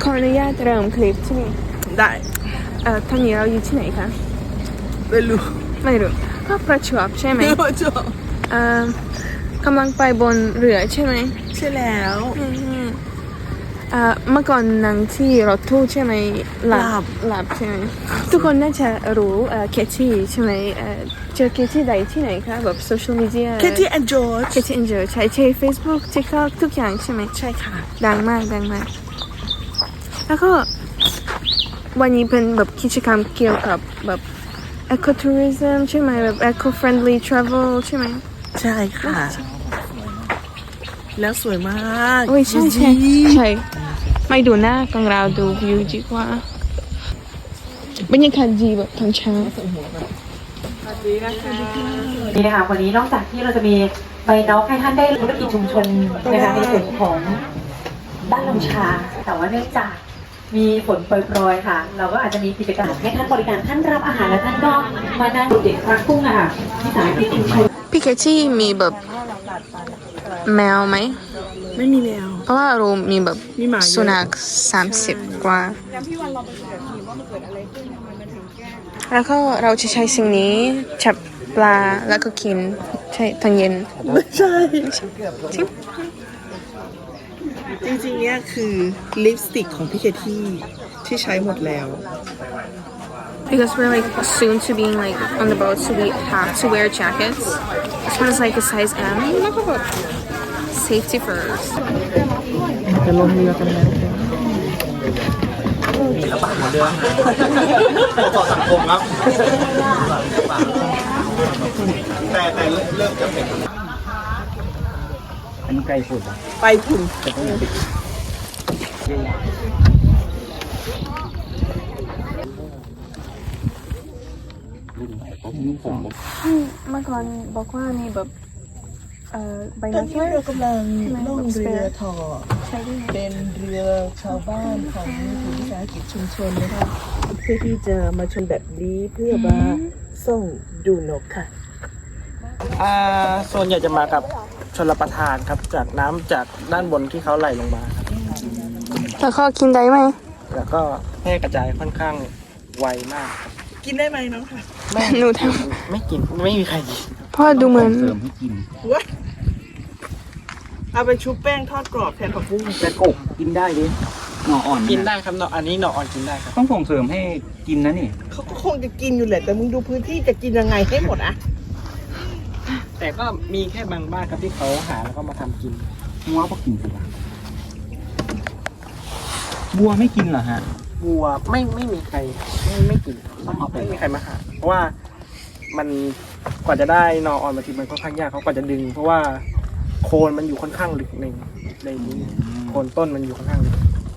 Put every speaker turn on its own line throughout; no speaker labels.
ขออนุญาตเริ่มคลิปที่นี่
ได้
ตอนนี้เราอยู่ที่ไหนคะ
ไม่รู้
ก็ประจวบใช่ไหม
ประจวบ
กำลังไปบนเรือใช่ไหม
ใช่แล้ว
เมื่อก่อนนั่งที่รถตู้ใช่ไหมหลับใช่ไหมทุกคนน่าจะรู้เคที่ใช่ไหมเจอเคที่ใดที่ไหนคะแบบโซเชียลมีเดีย
เคที่แอนจอร์จ
ใช้ Facebook TikTok ทุกอย่างใช่ไหม
ใช่ค่ะ
ดังมากแล้วก็วันนี้เป็นแบบกิจกรรมเกี่ยวกับแบบ ecotourism ใช่ไหมแบบ eco-friendly travel ใช่ไหม
ใช่ค่ะแล้วสวยมาก
โอ้ยใช่ไม่ดูหน้าของเราดูวิวดีกว่าบรรยากาศดีแบบทั้งเช้า
นี่นะคะวันนี้นอกจากที่เราจะมีใบน็อกให้ท่านได้ธุรกิจชุมชนนะคะในส่วนของบ้านลำชาแต่ว่าเนื่องจากมีฝนโปรยๆค่ะเราก็อาจจะมีกิจกรรมให้ท่านบริการท่านรับอาหารและท่านก็มานั่งเด็กรักกุ้งค่ะที่สายที่ชุมชน
พี่เคที่มีแบบแมวไหม
ไม่มีแมว
เพราะว่าเรามีแบบสุนัข30 กว่าแล้วก็เราจะใช้สิ่งนี้จับปลาแล้วก็กินใช่ตอนเย็น
ไม่ใช่จริงๆเนี่ยคือลิปสติกของพี่เคที่ใช้หมดแล้ว
because we're like soon to being like on the boat so we have to wear jackets this one is like a size M safety first
จะลงเรือกันแล้ว
เรือต่อสังคมครับแต่เริ่มจะเป็นอันนี้ไกลฝุ่น
ไปฝุ่น
เมื่อก่อนบอกว่ามีแบบใบ
ตอนนี้เรากำลังล่องเรือถอ
ใช่ด้วย
เป็นเรือชาวบ้านของกลุ่มวิสาหกิจชุมชนนะคะเพื่อที่จะมาชมแบบนี้เพื่อมาส่งดูนกค่ะ
ส่วนใหญ่จะมากับชลประทานครับจากน้ำจากด้านบนที่เขาไหลลงมาครับ
แล้วก็กินได้ไหม
แล้วก็แพร่กระจายค่อนข้างไวมาก
กินได้ไหมน้องค่ะ
หนูทำ
ไม่กินไม่มีใครกิน
เพราะดูเหมือน
เสริมให้กิน
เอาไปชุบแป้งทอดกรอบแทนผักบุ้ง
แต่กบกินได้ดิหน่ออ่อน
กินได้ครับหน่ออันนี้หน่ออ่อนกินได้ครับ
ต้องส่งเสริมให้กินนะนี่
เขาก็คงจะกินอยู่แหละแต่มึงดูพื้นที่จะกินยังไงให้หมดอะ
แต่ก็มีแค่บางบ้านครับที่เขาหาแล้วก็มาทำกิน
งัวก็กินสิบัวไม่กินเหรอฮะ
วัวไม่มีใครไม่กิน
ต้องเอาไป
ไม่มีใครมาหาเพราะว่ามันกว่าจะได้หน่ออ่อนมาทีมันค่อนข้างยากเขากว่าจะดึงเพราะว่าโคนมันอยู่ค่อนข้างลึกในนี้โคนต้นมันอยู่ค่อนข้างลึก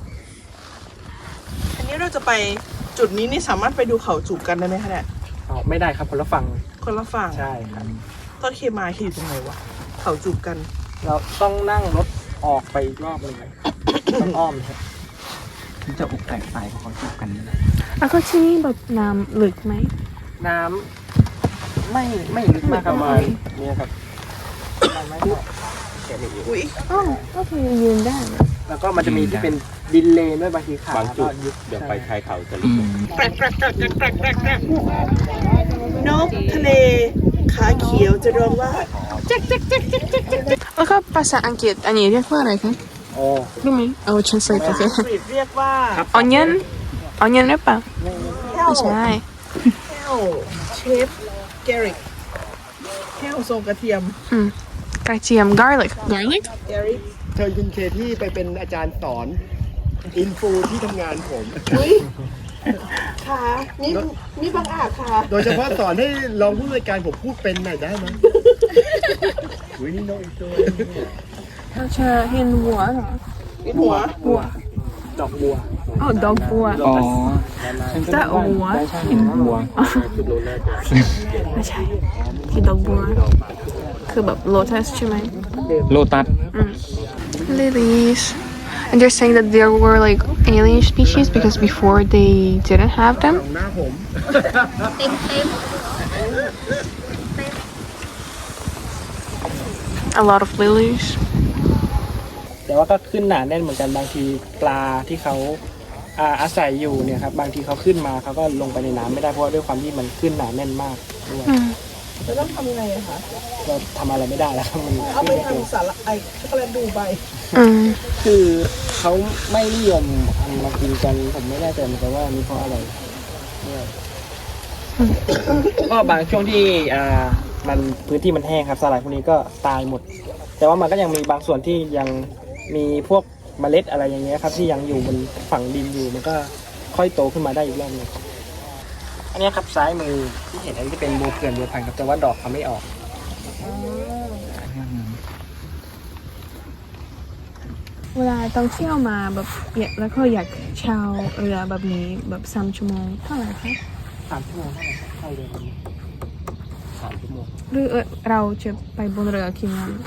อันนี้เราจะไปจุดนี้นี่สามารถไปดูเขาจูบกันได้ไหมคะเนี่ย
ไม่ได้ครับคนละฝั่งใช่ครับ
ต้นเคมาขี่ตรงไหนวะเขาจูบกัน
เราต้องนั่งรถออกไปอีกรอบหนึ่งต้องอ้อมครับ
มันจะอกแตกตายเพราะเขาจูบกัน
แล้วก็ที่นี่แบบน้ำลึกไหม
น้ำไม่ลึกมากประมาณนี้ครับไม่
อุ้ย
ก็คือยืนได้
แล้วก็มันจะมีที่เป็นดินเลนด้วยบางทีขา
บางจุดเดี๋ยวไปชายเขาจะลึก
นกทะเลขาเขียวจะร้องว่า
แล้วก็ภาษาอังกฤษอันนี้เรียกว่าอะไรคะรู้ไหมเอา translate โอเค
เรียกว่า
onion หรือเปล่าไม่ใช่
แห้วเชฟแกริกแห้วทรงกระเทียม
กระเทียม garlic
เชิญคุณเคที่ไปเป็นอาจารย์สอนอินฟูที่ทำงานผม
ค่ะนี่บางอาจค่ะ
โดยเฉพาะสอนให้รองผู้บริการผมพูดเป็นหน่อยได้ไหมอุ้ยนี่น้องอีกตัว
ถ้าจะเห็นหัวเหรอ
เห็นหัว
ดอกบัว
ดอกบัวจะหัว
เห็นบัว
ไม่ใช่ที่ดอกบัวคือแบบ lotus ใช่ไหม
โลตัส
lilies and they're saying that there were like alien species because before they didn't have them a lot of lilies
แต่ว่าก็ขึ้นหนาแน่นเหมือนกันบางทีปลาที่เขาอาศัยอยู่เนี่ยครับบางทีเขาขึ้นมาเขาก็ลงไปในน้ำไม่ได้เพราะว่าด้วยความที่มันขึ้นหนาแน่นมากด้วย
แล้วต้องทำยังไงอะคะ
เราทำอะไรไม่ได้แล้วครับมัน
เอาไป
ขึ้นม่
ทำสาระไอช็อกโกแลตดูใบ
คือเขาไม่นิยมเอามากินกันผมไม่แน่ใจเหมือนกันว่ามีเพราะอะไรด้วยก็บางช่วงที่มันพื้นที่มันแห้งครับสาหร่ายพวกนี้ก็ตายหมด แต่ว่ามันก็ยังมีบางส่วนที่ยังมีพวกเมล็ดอะไรอย่างเงี้ยครับที่ยังอยู่บนฝั่งดินอยู่มันก็ค่อยโตขึ้นมาได้อีกรอบหนึงอันนี้ครับซ้ายมือที่เห็นอันนี้จะเป็นบัวเกลือนบัวพันธุ์ครับแต่ว่าดอกเขาไม่ออก
เวลาต้องเที่ยวมาแบบแล้วก็อยากเช่าเรือแบบนี้แบบ3 ชั่วโมงเท่าไหร่คะ
3 ชั่วโมงเท่าไหร่ครับเข้าเรือลำนี้3 ชั่วโมง
หรือเราจะไปบนเรือกี่วัน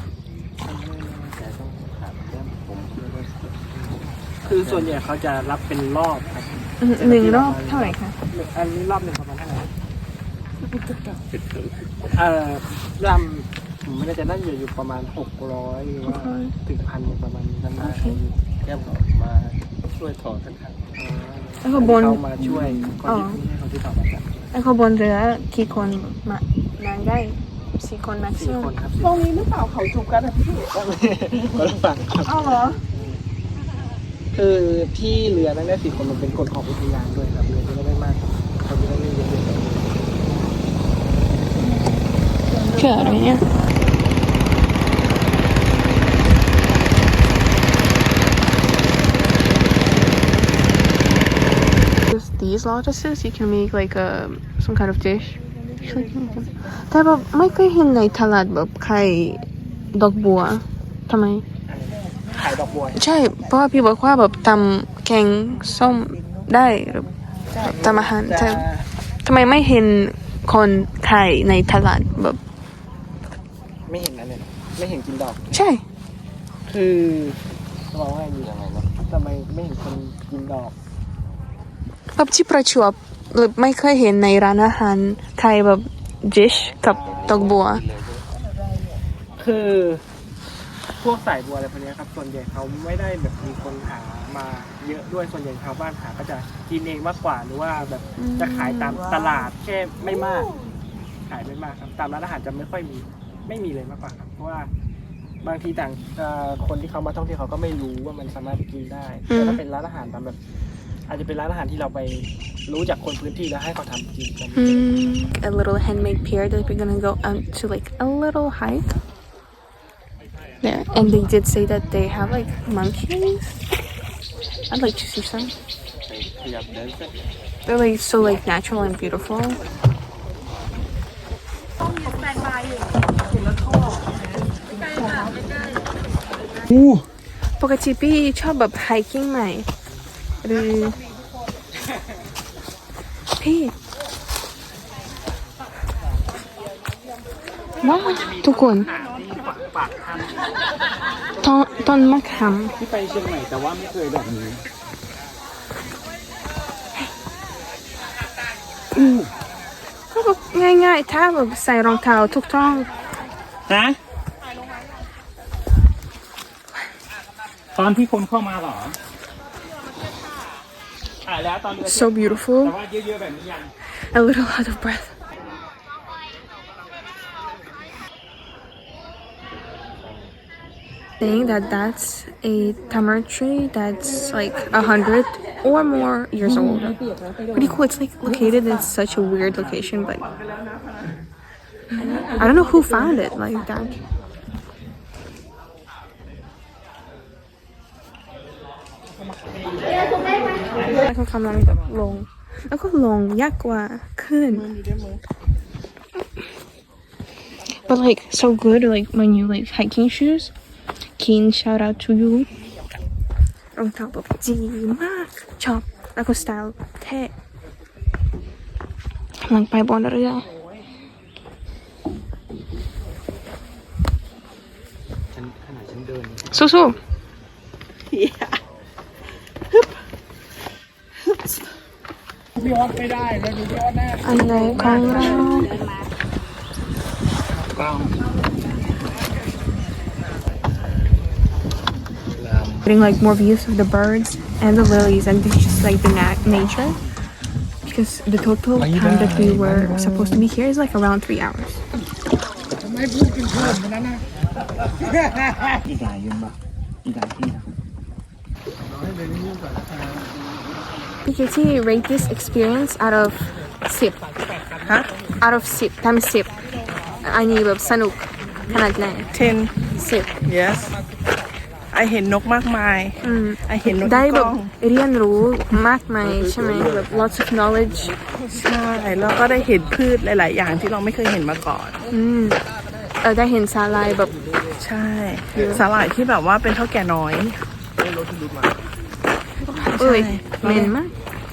คือส่วนใหญ่เขาจะรับเป็นรอบครับ
1 รอบเท่าไหร่คะ
อันนี้รอบหนึ่งประมาณเท่าไหร่ลำผมไม่แน่ใจน่าจะอยู่ประมาณ600หรือว่าถึง1,000ประมาณนั้นได้แค่บอกมาช่วยถอดกันครับ
แล้วก็บน
เขามาช่วยคนที่เขาที่ถอดมาจาก
แล้วก็บนเรือกี่คนมานั่งได้4 คนแม็กซิมั
4 คน
ม
ครับ
ตรงนี้หรือเปล่าเขาจูบกันอะพี่
ก็ต้องฟังครับ
อ้าวเหรอ
คือที่เรือนั่งได้4 คนมันเป็นกฎของอุทยานด้วยครับเรือจะได้ไม่มากเขาจะได้ไม่เยอะ
เกิดอะไรเนี่ย These lotuses you can make like some kind of dish แต่แบบไม่เคยเห็นในตลาดแบบไข่ดอกบัวทำไม
ขายดอกบัว
ใช่เพราะว่าพี่บอกว่าแบบทำแกงส้มได้หรือทำอาหารแต่ทำไมไม่เห็นคนขายในตลาดแบบ
ไม่เห็นนะเนี่ยไม่เห็นกินดอก
ใช่
คือจะบอกว่าอยู่ยังไงนะทำไมไม่เห็นคนกินดอก
แบบที่ประจวบหรือไม่เคยเห็นในร้านอาหารไทยแบบ dish กับดอกบัว
คือพวกสายบัวอะไรพวกนี้ครับส่วนใหญ่เขาไม่ได้แบบมีคนหามาเยอะด้วยส่วนใหญ่ชาวบ้านหาก็จะกินเองมากกว่าหรือว่าแบบจะขายตามตลาดแค่ไม่มากขายไม่มากครับตามร้านอาหารจะไม่ค่อยมีไม่มีเลยมากกว่าครับเพราะว่าบางทีต่างคนที่เขามาท่องเที่ยวเขาก็ไม่รู้ว่ามันสามารถกินได้แต่ถ้าเป็นร้านอาหารตามแบบอาจจะเป็นร้านอาหารที่เราไปรู้จากคนพื้นที่แล้วให้เขาทำกินกัน
A little handmade pier that we're gonna go out to like a little hike there and they did say that they have like monkeys. I'd like to see some. They're like so like natural and beautiful. ปกติพี่ชอบแบบ hiking ไหมหรือพี่ว้าวทุกคนต้นมะขาม
ที่ไปเชียงใหม่แต่ว่าไม่เคยแบบนี้
ก็แบบง่ายๆถ้าแบบใส่รองเท้าถูกต้อง
ฮะ ตอนที่คนเข้ามาเหรอถ่ายแล้วตอนเรือ
so beautiful
แต่ว่าเยอะๆแบบนี้ยัง
a little out of breath saying that that's a tamarind tree that's like 100 or more years old. Pretty cool. It's like located in such a weird location, but I don't know who found it like that. แล้วก็กำลังแบบลง แล้วก็ลงยากกว่าขึ้น But like so good like when you like hiking shoes. Keen shout out to you รองเท้าแบบดีมากชอบแล้วก็สไตล์เท่กำลังไปบนเรือสู้ๆ
พี่ออสไม่ได้แล้วดูพี่ออสแน่
อันไหนของเรา getting like more views of the birds and the lilies and just like the nature. Because the total time that we were supposed to be here is like around 3 hours.
อีกหลายยืนบ่อีกหลายที่นะ
PKT rate this experience out of 10 out of 10 times 10อันนี้แบบสนุกขนาดไหน
10 yes ไอเห็นนกมากมายไอเห็นนก
ได้
ที่ก
แบบ
ล้อง
เรียนรู้มากมายใช่ไหมแบบ lots of knowledge
ใช่แล้วก็ได้เห็นพืชหลาย ๆ อย่างที่เราไม่เคยเห็นมาก่อน
ได้เห็นสาลายแบบ
ใช่สาหร่ายที่แบบว่าเป็นเท่าแก่น้อย
เอ้ยเหม็นมาก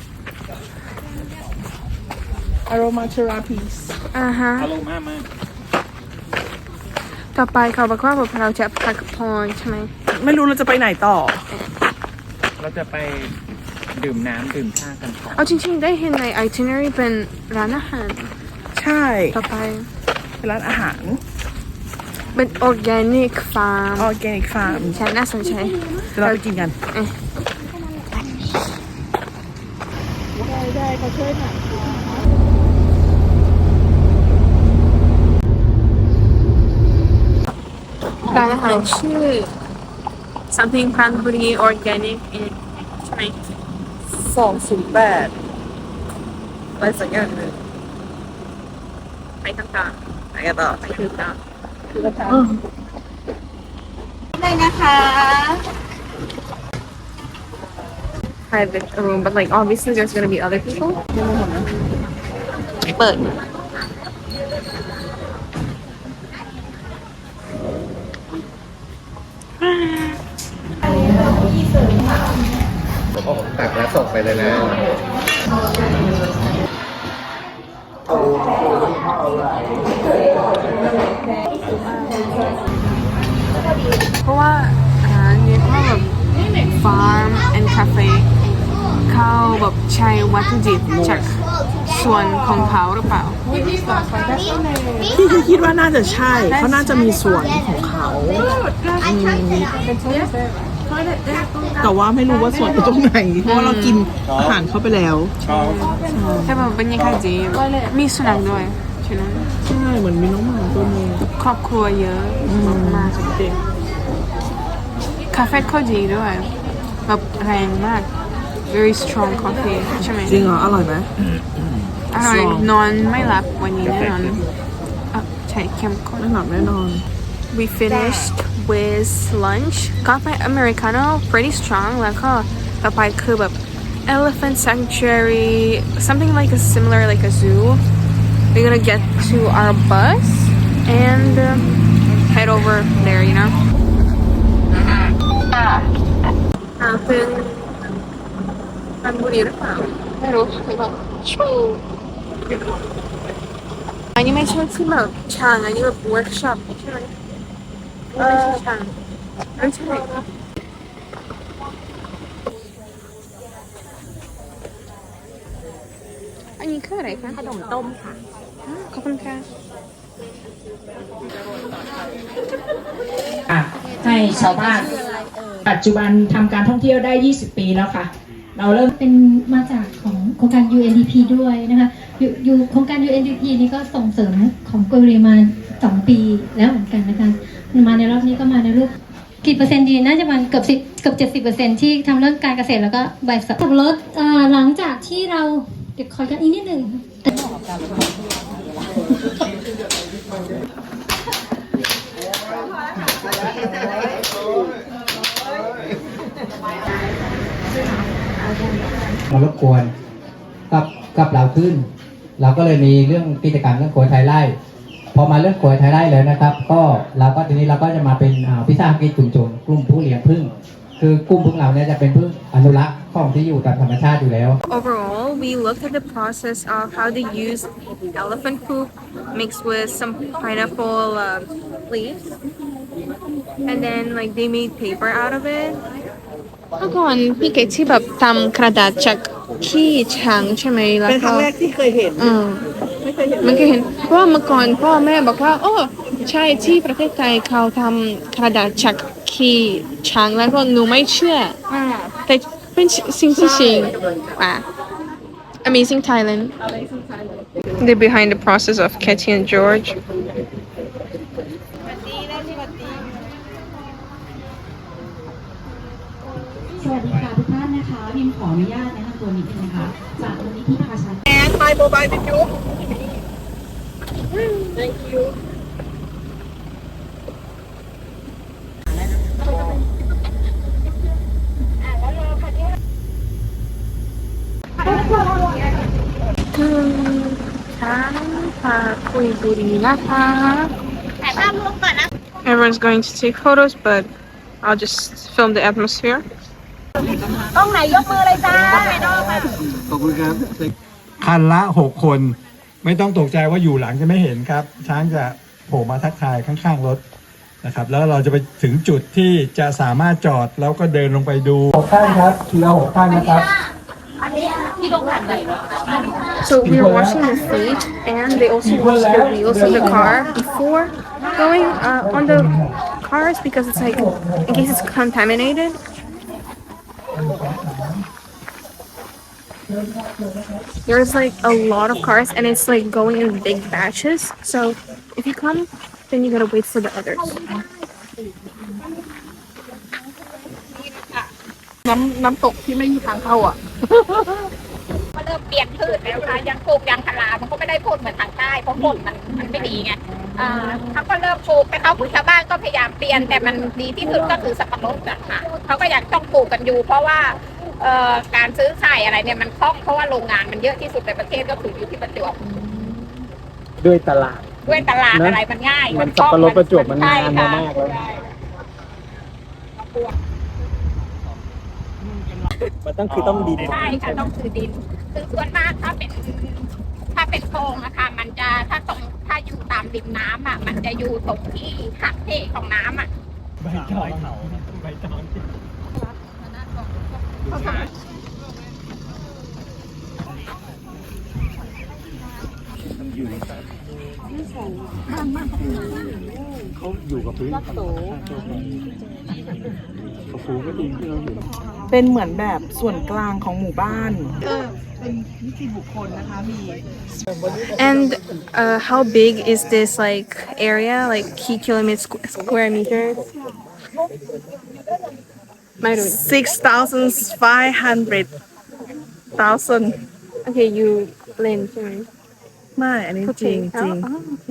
aromatherapy
ฮะ
อารมณ์มากมาก
ต่อไปเขาบอกว่าแบบเราจะพักผ่อนใช่ไหม
ไม่รู้เราจะไปไหนต่อ
เราจะไปดื่มน้ำดื่มชากันก่อน
เอาจริงๆได้เห็นใน itinerary เป็นร้านอาหาร
ใช่
ต่อไป
เป็นร้านอาหาร
เป็น organic farm
organic farm
ใช่น่าสนใจ
เดี๋ยวเราไปกินกัน
ร้านอาหารชื่อ something พันบุรี organic ใช่ไหม
208อะไรสักอย่างหนึ่ง
ไปทางกลาง
ไปกันต่อ
ไปทางกลาง
ได้นะคะ
private room but like obviously there's gonna be other people เปิด
ตักแล้วส่งไปเลยนะ
เพราะว่าร้านนี้เขาแบบ farm and cafe เขาแบบใช้วัตถุดิบจากส่วนของเขาหรือเปล่า
พี่คิดว่าน่าจะใช่เขาน่าจะมีสวนของเขาแต่ว่าไม่รู้ว่าสวนอยู่ตรงไหนเพราะว่าเรากินอาหารเข้าไปแล้ว
แต่แบบบรรยากาศดีมีสุนัขด้วยใช่ไหม
ใช่เหมือนมีน้องหมาตัวนึง
ครอบครัวเยอะมากจริงคาเฟ่เขาดีด้วยแบบแรงมาก very strong coffee ใช่ไหม
จริงเหรออร่อยไหม
อร่อย
strong
นอนไม่หลับวันนี้แน่นอนใช่เข้มข้น
ไม่หลับแน่นอน
We finished with lunch กาแฟ Americano pretty strong แล้วก็ต่อไปคือแบบ Elephant Sanctuary something like a similar like a zoo we're gonna get to our bus and head over there you know เป็นปันบุรีหรือเปล่าไม่รู้แบบอันนี้ไม่ใช่ที่แบบช่างอันนี้แบบ workshop ใช่ไหมไม่ใช่ช่างไม่ใช่อันนี้คืออะไรคะขนมต้มค่ะขอบคุณค่ะ
ให้ชาวบ้านปัจจุบันทำการท่องเที่ยวได้ 20 ปีแล้วค่ะ เราเริ่ม
เป็นมาจากของโครงการ UNDP ด้วยนะคะอยู่โครงการ UNDP นี้ก็ส่งเสริมของกุเรียมา2 ปีแล้วเหมือนกันนะคะมาในรอบนี้ก็มาในรูปกี่เปอร์เซ็นต์ดีน่าจะประมาณเกือบ70%ที่ทำเรื่องการเกษตรแล้วก็ใบสับรถหลังจากที่เราเดี๋ยวขอกันอีกนิดหนึ่ง
มารบกวนกับเราขึ้น เราก็เลยมีเรื่องกิจกรรมเรื่องโขยไทยไร่พอมาเรื่องโขยไทยไร่แล้วนะครับก็ทีนี้เราก็จะมาเป็นวิสาหกิจชุมชนกลุ่มผู้เลี้ยงผึ้งคือกลุ่มผึ้งเราเนี่ยจะเป็นผึ้งอนุรักษ์ของที่อยู่ตามธรรมชาติอยู่แล้ว
Overall, we looked at the process of how they use elephant poop mixed with some pineapple leaves, and then like they made paper out of it. เมื่อก่อนพี่เกดที่แบบทำกระดาษจากขี้ช้างใช่ไหมแล้ว
เป็นค
ก็
รั้งแรกที่เคยเห็น ไม่เคยเห็น
มันก็เห็นเพราะว่าเมื่อก่อนพ่อแม่บอกว่าโอ้ใช่ที่ประเทศไทยเขาทำกระดาษจากขี่ช้างแล้วก็หนูไม่เชื่อแต่เป็นสิ่งที่จริงว่ะ Amazing Thailand. They're behind the process of Katie and George.
สวัสดีค่ะทุกท่านนะคะพิมขออนุญาตแนะนำตัวนิดนึงนะคะจากมูลนิธิพาชา
And my mobile with you. Thank you.
Everyone's going to take photos, but I'll just film the atmosphere.
ขอบคุณครับ คันละ 6 คน ไม่ต้องตกใจว่าอยู่หลังจะไม่เห็นครับ ช้างจะโผล่มาทักทายข้างๆรถนะครับ แล้วเราจะไปถึงจุดที่จะสามารถจอดแล้วก็เดินลงไปดู6ท่านครับทีละ6ท่านนะครับ
So we were watching the stage, and they also watched the wheels of the car before going on the cars because it's like in case it's contaminated. There's like a lot of cars, and it's like going in big batches. So if you come, then you gotta wait for the others.
น้ำตกที่ไม่มีทางเข้าอ่ะ
ก็เริ่มเปลี่ยนพืชแล้วค่ะยังปลูกยางพารามันก็ไม่ได้ผลเหมือนทางใต้เพราะผลมันไม่ดีไงเขาก็เริ่มปลูกแต่เขาชาวบ้านก็พยายามเปลี่ยนแต่มันดีที่สุดก็คือสับปะรดอะค่ะเขาก็ยังต้องปลูกกันอยู่เพราะว่าการซื้อขายอะไรเนี่ยมันคล่องเพราะว่าโรงงานมันเยอะที่สุดในประเทศก็คืออยู่ที่ประจวบ
ด้วยตลาด
อะไรมันง่าย
มันสับปะรดประจวบมันนานมากแล้วมันต้องดิน
ใช่ค่ะต้องคือดินคือส่วนมากถ้าเป็นโพรงอะค่ะมันจะถ้าอยู่ตามริมน้ำอะมันจะอยู่ตรงที่หักเหของน้ำอะ
ใบตองใบตองเขาอยู่กับพื้นเขาฟูก็จริงที่เราอยู่
เป็นเหมือนแบบส่วนกลางของหมู่บ้านเป็นนิติบุคคลนะคะมี
And how big is this like area? Like kilometer square meters? ไม่รู้
6,500,000
Okay, you เล่นใช่ไหม
ไม่อันนี้จริงจริง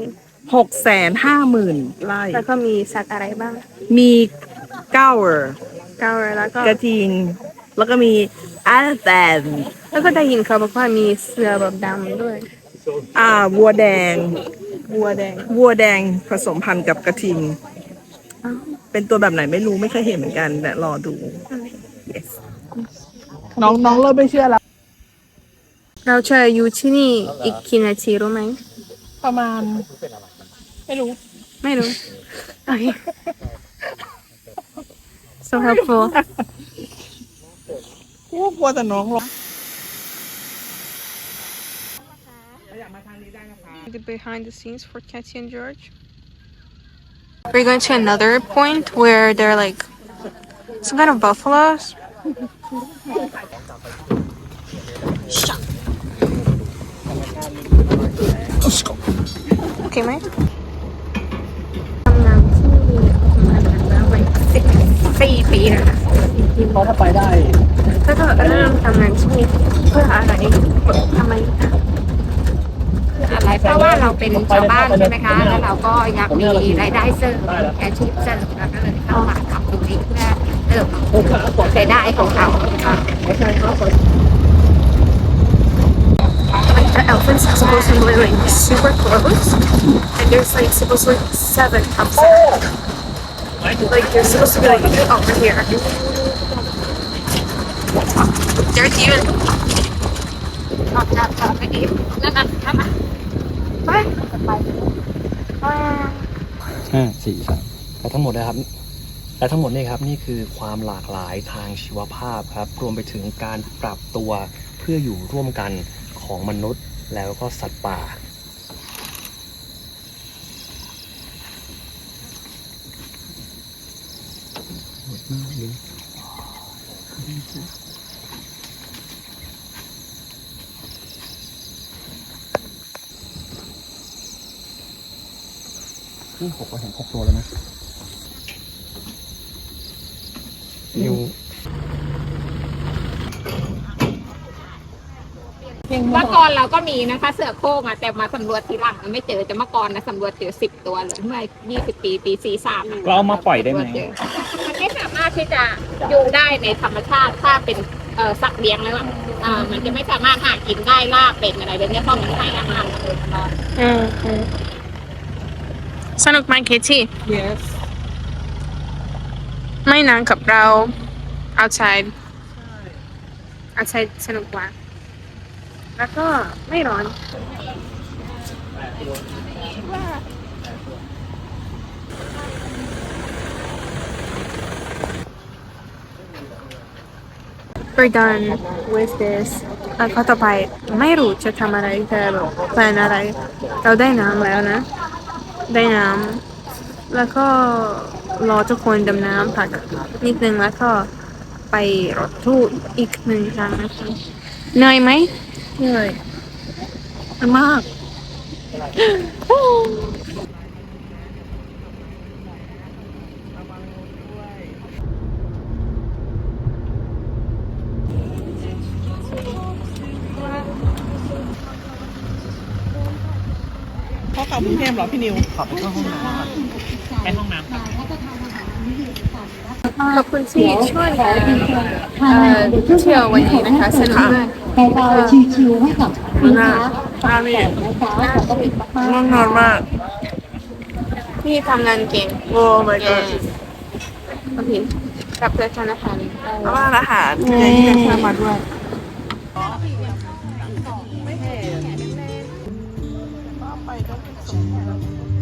650,000
ไร่
แล้วก็มีสัตว์อะไรบ้าง
มีเก้าเออร์
แล้วก็
กระทิง แล้วก็มีอาแตน
แล้วก็ได้ยินเขาบอกว่ามีเสือแบบดำด้วย
วัวแดง
วัวแดง
วัวแดงผสมพันธุ์กับกระทิง เป็นตัวแบบไหนไม่รู้ไม่เคยเห็นเหมือนกันแต่รอดู yes น้องเริ่มไม่เชื่อแล้ว
เราจะอยู่ที่นี่อีกกี่นาทีรู้ไหม
ประมาณ
ไม่รู้ โอเค so helpful
กลัวแต่น้องร้อง
the behind the scenes for Katie and George. We're going to another point where they're like some kind of buffaloes. Okay, Mike. 4 ปีนะคะ
เพราะถ้าไปได้
แล้วก็เริ่มทำงานที่นี่เพื่ออะไรทำไม
อะไรเพราะว่าเราเป็นชาวบ้านใช่ไหมคะแล้วเราก็อยากมีรายได้เสริมอาชีพเสริมแล้วก็เลยเข้ามาทำตรงนี้เพื่อเติมรายได้ของเราค่ะ
The elephants are supposed to live like super close, and there's like supposed to be 7 outside. Like they're supposed to be like over here. They're even. Not that bad, maybe. No.
5 4 3และทั้งหมดนะครับและทั้งหมดนี่ครับนี่คือความหลากหลายทางชีวภาพครับรวมไปถึงการปรับตัวเพื่ออยู่ร่วมกันของมนุษย์แล้วก็สัตว์ป่านี่6เราเห็น6ตัวแล้วนะนิว
เมื่อก่อนเราก็มีนะคะเสือโคร่งแต่มาสำรวจทีหลังมันไม่เจอแต่เมื่อก่อนนะสำรวจเจอ10 ตัวเลยเมื่อ20 ปี43
เราเอามาปล่อยได้ไหม
มันไม่สามารถที่จะอยู่ได้ในธรรมชาติถ้าเป็นสัตว์เลี้ยงแล้วมันจะไม่สามารถหากินได้ล่าเป็นอะไรแบบนี้เพราะมันให้อาหารมันตลอด
สนุกไหมเคที่
yes
ไม่นานกับเรา outside สนุกกว่าแล้วก็ไม่ร้อน We're done with this แล้วก็ต่อไปไม่รู้จะทำอะไรแต่แบบแพลนอะไร เราได้น้ำแล้วนะ ได้น้ำแล้วก็รอทุกคนดำน้ำพักนิดนึงแล้วก็ไปรถตู้อีก1 ครั้งนะคะเหนื่อยไหม
เหนื่อยมาก พ่อกลับกรุงเทพเหรอพี่นิว
ขอบไปเข้าห้องน้ำไปห้องน้ำ
ขอบคุณที่ช่วยเที่ยววันนี้นะคะสนุกมาก
เบาๆชิวๆให้กับลูกค้าฝากแต่นะคะขอบคุณมาก
ง่วงนอนมาก
พี่ทำงานเก่ง
โอ้ my god
โอเคกลับไปธนาคาร
เอาว่าอาหารที่ได้ที่ได้มาด้วยไปก็